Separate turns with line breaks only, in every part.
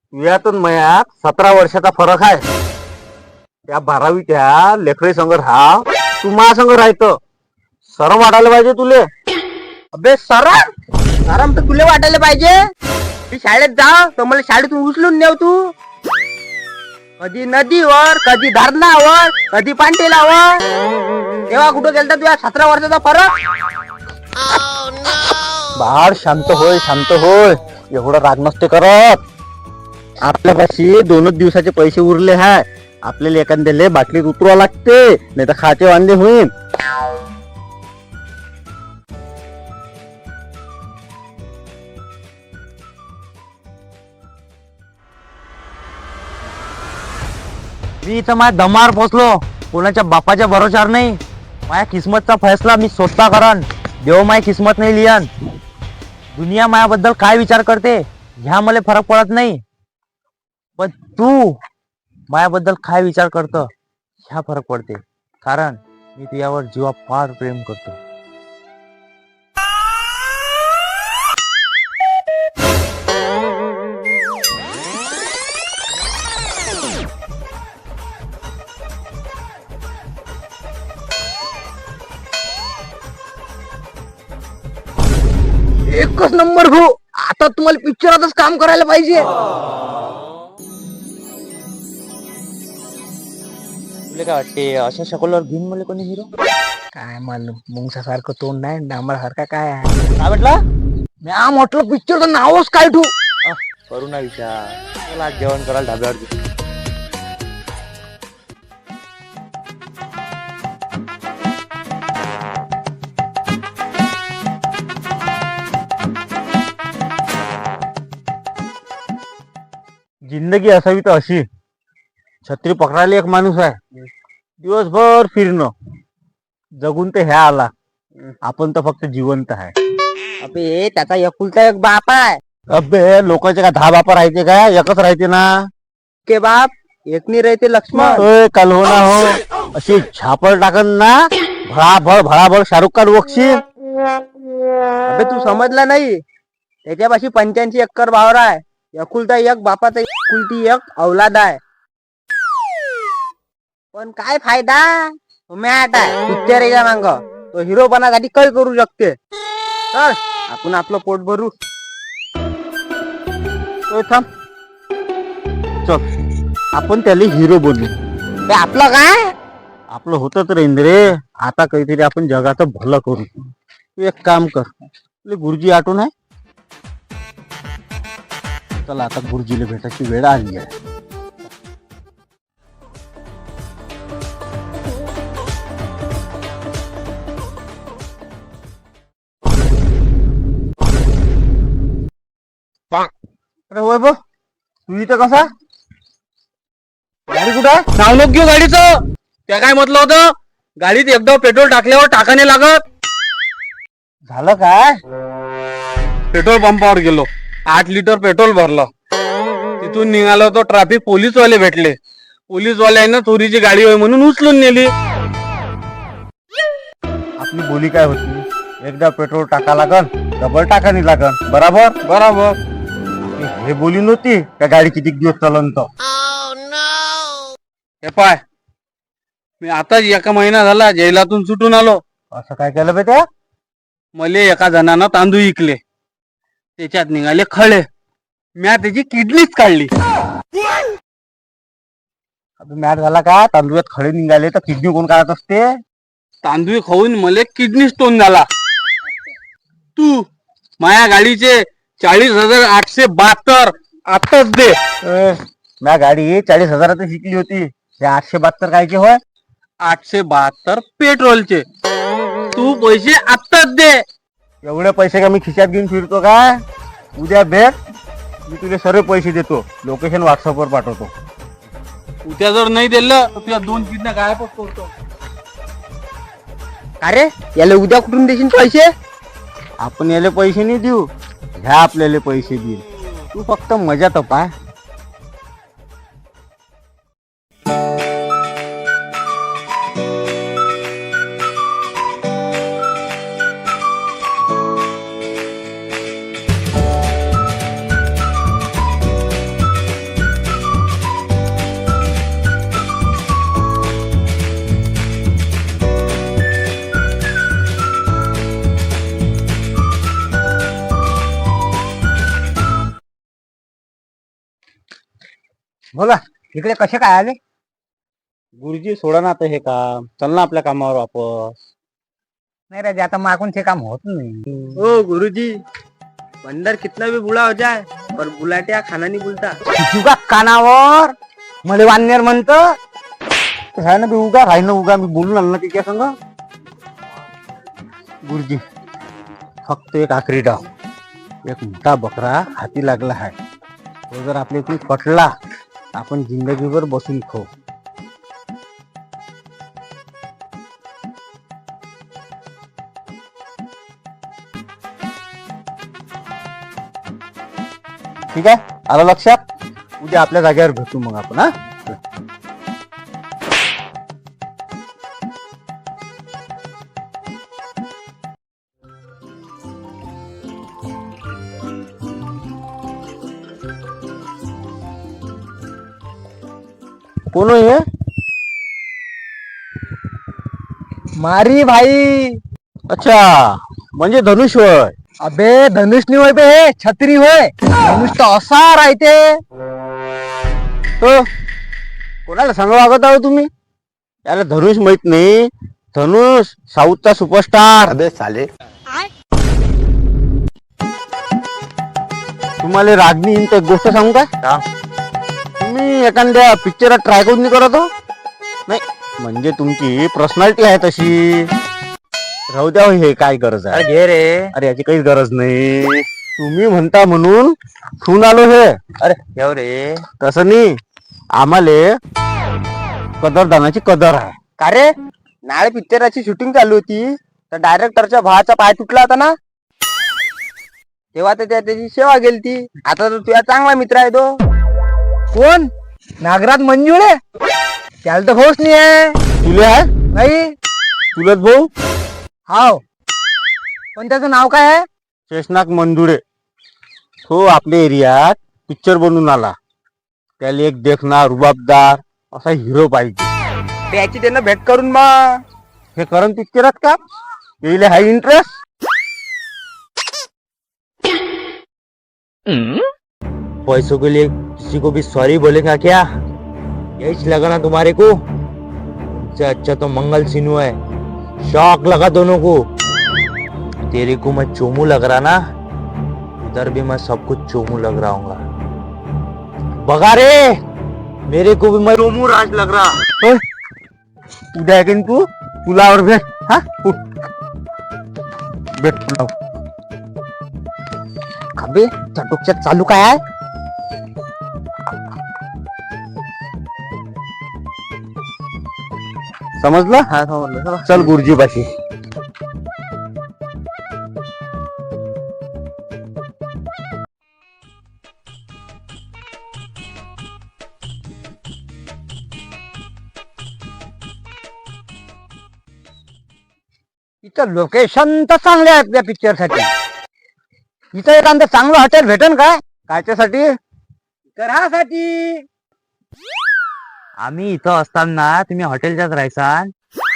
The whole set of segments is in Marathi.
तुझ्यातून मयात 17 वर्षाचा फरक आहे. त्या 12वीच्या लेकरी संग राहा, तू मा संग राहतो. सरम वाटायला पाहिजे तुले.
अबे सरम तर तुला वाटायला पाहिजे. मी शाळेत जा तर मला शाळेतून उचलून नेव तू. कधी नदीवर, कधी धरणावर, कधी पांटेलावर. तेव्हा कुठं गेलता तुझ्या 17 वर्षाचा फरक?
बाळ शांत होय, शांत होय. एवढं राग नसते करत. आपल्यापाशी 2च दिवसाचे पैसे उरले हाय. आपल्याला एखाद्याला बाटलीत उतरवा लागते, नाही तर खाते वांदे होईल. मी इथं माझ्या दमार पोचलो. कोणाच्या बापाच्या भरोशावर नाही. माझ्या किस्मतचा फैसला मी स्वतः करन. देव माझी किस्मत नाही लिहन. दुनिया माझ्याबद्दल काय विचार करते ह्या मला फरक पडत नाही, पण तू माझ्याबद्दल काय विचार करतो ह्या फरक पडते. कारण मी तुझ्यावर जीवा फार प्रेम करतो.
एकच नंबर भाऊ. आता तुम्हाला पिक्चरातच काम करायला पाहिजे.
तुला काय वाटते अशा शकलवर घेऊन मला कोणी हिरो?
काय मालूम, मुंगसा सारखं तोंड नाही, डांबरा सारखा काय आहे.
काय म्हटलं?
मी म्हटलं पिक्चरचं नावच काय ठेवू?
करू ना विचार. चला आज जेवण करायला ढाब्यावर जाऊ. जिंदगी असावी तर अशी. छत्री पकडायला एक माणूस आहे, दिवसभर फिरणं. जगून तर ह्या आला. आपण तर फक्त जिवंत आहे.
अबे त्याचा एकुलता एक बाप आहे.
अबे लोकांचे काय 10 बापा राहते का? एकच राहते ना.
के बाप एकनी रहते लक्ष्मण.
ओय काल हो ना हो. अशी झापड टाकन ना, भळाभळ शाहरुख खान वक्षी.
अबे तू समजला नाही. त्याच्यापाशी 85 एकर वावर आहे. एकुलता एक बापाचा एकुलती एक औलाद आहे. पण काय फायदा? मॅट आहे पिक्चर याच्या मांग. तो हिरो बनासाठी काय करू शकते. चल आपण आपलं पोट भरू.
ओय थांब. चल आपण त्याला हिरो बनवू.
ते आपलं काय?
आपलं होतं तर इंद्रे. आता काहीतरी आपण जगाचं भलं करू. तू एक काम कर, तुला गुरुजी आठवण आहे? चला आता गुरुजीला भेटायची वेळ आली आहे. अरे होय बघ, तू इथं कसा? गाडी कुठं आहे?
नाव नको घेऊ गाडीचं. त्या काय म्हटलं होतं, गाडीत एकदा पेट्रोल टाकल्यावर टाकाने लागत.
झालं काय?
पेट्रोल पंपावर गेलो, 8 लिटर पेट्रोल भरलं. तिथून निघालो तो ट्रॅफिक पोलीसवाले भेटले. पोलीसवाल्यानं चोरीची गाडी होय म्हणून उचलून नेली.
आपली बोली काय होती? एकदा पेट्रोल टाका लागन, डबल टाकानी लागन. बराबर
बरोबर.
हे बोली नव्हती का गाडी किती दिवस चालन तर.
हे पाय, मी आताच 1 महिना झाला जेलातून सुटून आलो.
असं काय केलं बेटा?
मले एका जणानं तांदूळ इकले, त्याच्यात निघाले खळे. म्या त्याची किडनीच काढली.
मॅट झाला का? तांदूळात खडे निघाले तर किडनी कोण काढत असते?
तांदूळ खाऊन मले किडनी स्टोन झाला. तू माया गाडीचे 40,872 आताच दे.
म्या गाडी 40,000 शिकली होती. हे 872 कायचे होय?
872 पेट्रोलचे. तू पैसे आत्ताच दे.
एवढे पैसे का मी खिशात घेऊन फिरतो का? उद्या भेट, मी तुला सर्व पैसे देतो. लोकेशन व्हॉट्सअपवर पाठवतो.
उद्या जर नाही दिलं तर तुझ्या 2 किडन्या गायबच करतो.
अरे याला उद्या कुठून देशील पैसे?
आपण याले पैसे नाही देऊ, ह्या आपल्याला पैसे देईल. तू फक्त मजा तर पाय.
बोला इकडे कसे काय आले?
गुरुजी सोडा ना आता हे काम, चल ना आपल्या कामावर वापस.
नहीं राजा, आता मागून ते काम होत नहीं। ओ गुरुजी, बंदर कितना भी बुला हो जाए पर बुलाट्या खाना नहीं बुलता। तुझा कानावर मले वाननेर म्हणतं.
आहे ना, मी उगा राही ना उगा, मी बोलून आलो ना तिच्या संग. गुरुजी फक्त एक आखरी डाव, एक मोठा बकरा हाती लागला आहे, तो जर आपल्या इथून कटला आपण जिंदगीभर बसून खाऊ. ठीक आहे, आलं लक्षात? उद्या आपल्या जागेवर भेटू मग आपण. हा, कोण आहे?
मारी भाई।
अच्छा, म्हणजे धनुष होय.
अबे धनुष नहीं होय बे, छत्री होय। धनुष तो असा राहते।
हो, कोणाला सांगा वागत आहो तुम्ही? याला धनुष माहित नाही. धनुष साऊथचा सुपरस्टार. अबे साले, तुम्हाला रागणी एक गोष्ट सांगू का? तुम्ही एखाद्या पिक्चरात ट्राय करून नाही करत हो? नाही म्हणजे तुमची पर्सनॅलिटी आहे तशी. राहू द्या हो, हे काय गरज आहे?
घे रे।
अरे याची काहीच गरज नाही, तुम्ही म्हणता म्हणून ठेवून आलो हे.
अरे घेऊ रे।
तसं नाही, आम्हाले कदरदानाची कदर आहे.
का रे, नाळे पिक्चराची शूटिंग चालू होती तर डायरेक्टरच्या भावाचा पाय तुटला होता ना, तेव्हा तर त्याची सेवा गेलती. आता तर तुझा चांगला मित्र आहे तो. कोण? नागराज मंजुळे? त्याला तर भाऊच नाही आहे.
तुले आहे?
नाही।
चुलत भाऊ
हाव, पण त्याचं नाव काय आहे?
शेषनाग मंजुळे. तो आपल्या एरियात पिक्चर बनवून आला. त्याला एक देखना रुबाबदार असा हिरो पाहिजे.
त्याची त्यांना भेट करून मग
हे करण पिक्चरात का येईल हाय इंटरेस्ट?
पैसों के लिए किसी को भी सॉरी बोलेगा क्या? यही लगा ना तुम्हारे को? उससे अच्छा तो मंगल सिन्हू है। शौक लगा दोनों को। तेरे को मैं चोमू लग रहा ना, इधर भी मैं सब कुछ चोमू लग रहा हूँ। बगा रे, मेरे को भी मैं चोमू राज लग रहा।
होय, उद्या आहे की नाही तू पुलावर भेट. हा, उठ. भेट पुलाव.
अबे चटुकच्यात चालू काय आहे?
समजलं?
हा समजलं.
चल गुरुजी पाशी.
इथं लोकेशन तर चांगले आहेत त्या पिक्चर साठी. इथं एखादं चांगलं हॉटेल भेटेल का?
कायच्यासाठी?
घरासाठी.
आम्ही इथं असताना तुम्ही हॉटेलच्याच राहायसान,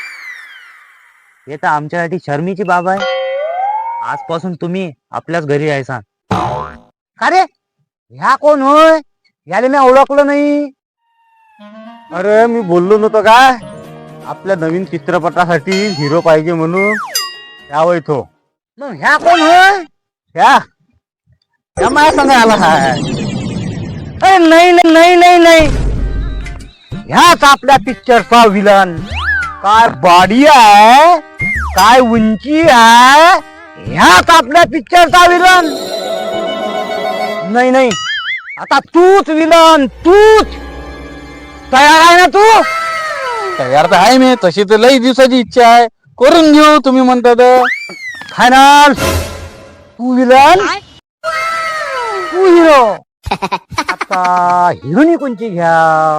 हे तर आमच्यासाठी शर्मीची बाब आहे. आजपासून तुम्ही आपल्याच घरी राहायसान.
का रे, ह्या कोण होय? याला मी ओळखलं नाही.
अरे मी बोललो नव्हतो काय, आपल्या नवीन चित्रपटासाठी हिरो पाहिजे म्हणून. यावं इथो.
मग ह्या कोण होय?
ह्या माझ्या संग आला हाय.
अरे नाही नाही नाही नाही नाही, ह्याच आपल्या पिक्चरचा विलन. काय बॉडी आहे, काय उंची आहे, ह्याच आपल्या पिक्चरचा विलन. नाही नाही, आता तूच विलन, तूच. तयार आहे ना तू?
तयार तर आहे मी, तशी तर लई दिवसाची इच्छा आहे. करून घेऊ तुम्ही म्हणता तर.
फायनल. तू विलन, तू हिरो. आता हिरोनी कोणची घ्या?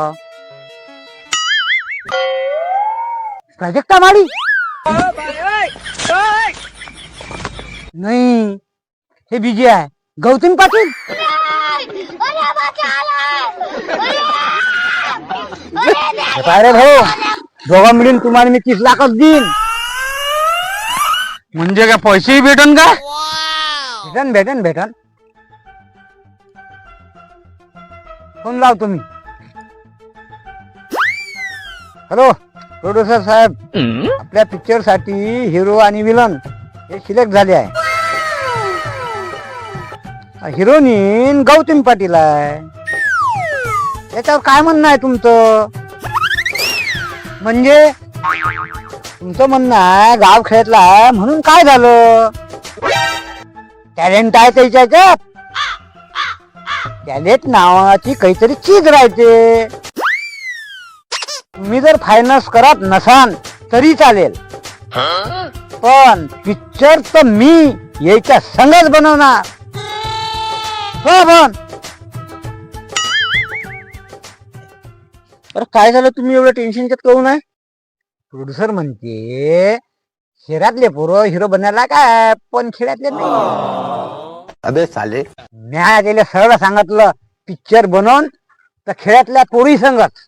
प्राजक्ता माळी? नाही, हे बीजे आहे. गौतम पाटील. काय रे भाऊ, दोघा मिळून तुम्हाला मी 30 लाखच देईन.
म्हणजे काय पैसेही भेटन का?
भेटन भेटन भेटन. फोन लाव तुम्ही.
हॅलो प्रोड्युसर साहेब, आपल्या पिक्चर साठी हिरो आणि विलन हे सिलेक्ट झाले आहे. हिरोईन गौतमी पाटील आहे. याच्यावर काय म्हणणं आहे तुमचं? म्हणजे तुमचं म्हणणं आहे गाव खेळातला आहे म्हणून काय झालं? टॅलेंट आहे त्याच्या ह्याच्यात. टॅलेंट नावाची काहीतरी चीज राहते. तुम्ही जर फायनान्स करत नसाल तरी चालेल, पण पिक्चर तर मी याच्या संगच बनवणार. हो पण
अरे काय झालं, तुम्ही एवढं टेन्शनच्यात काहून आहे?
प्रोड्युसर म्हणते शहरातले पोरं हिरो बनायला काय, पण खेड्यातले नाही.
अबे साले,
म्या त्याला सरळ सांगितलं पिक्चर बनवून तर खेड्यातल्या पोरी संगत.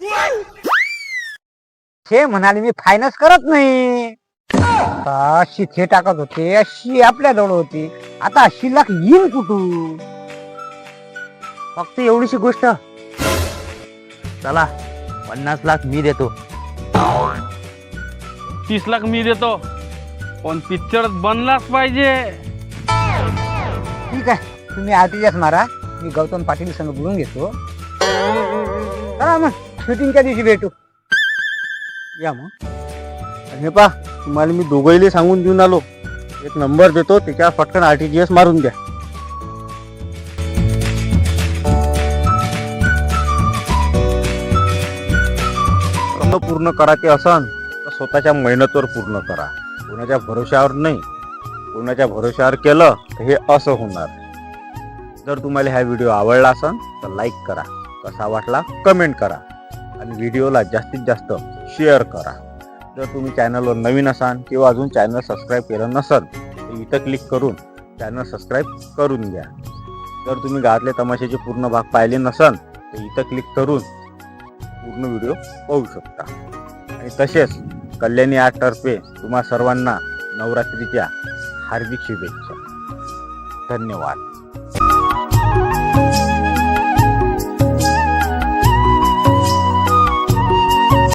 ते म्हणाले मी फायनान्स करत नाही. अशी ते टाकत होते, अशी आपल्या जवळ होती. आता 80 लाख येईन कुठून?
फक्त एवढीशी गोष्ट. चला 50 लाख मी देतो.
30 लाख मी देतो, पण पिक्चर बनलाच पाहिजे.
ठीक आहे, तुम्ही आरटीजीएस मारा, मी गौतम पाटील संग बोलून घेतो. चला मग शूटिंगच्या दिवशी भेटू.
या मग. हे पा, तुम्हाला मी दोघंही सांगून देऊन आलो. एक नंबर देतो, त्याच्यावर पटकन आरटीजीएस मारून द्या. पूर्ण करायचे असन तर स्वतःच्या मेहनतीवर पूर्ण करा, कोणाच्या भरोश्यावर नाही. कोणाच्या भरोश्यावर केलं तर हे असं होणार. जर तुम्हाला हा व्हिडिओ आवडला असेल तर लाईक करा, कसा वाटला कमेंट करा आणि व्हिडिओला जास्तीत जास्त शेअर करा. जर तुम्ही चॅनलवर नवीन असाल किंवा अजून चॅनल सबस्क्राईब केलं नसेल तर इथं क्लिक करून चॅनल सबस्क्राईब करून घ्या. जर तुम्ही गावातले तमाशाचे पूर्ण भाग पाहिले नसेल तर इथं क्लिक करून पूर्ण व्हिडिओ पाहू शकता. आणि तसेच कल्याणी आर्टतर्फे तुम्हा सर्वांना नवरात्रीच्या हार्दिक शुभेच्छा. धन्यवाद.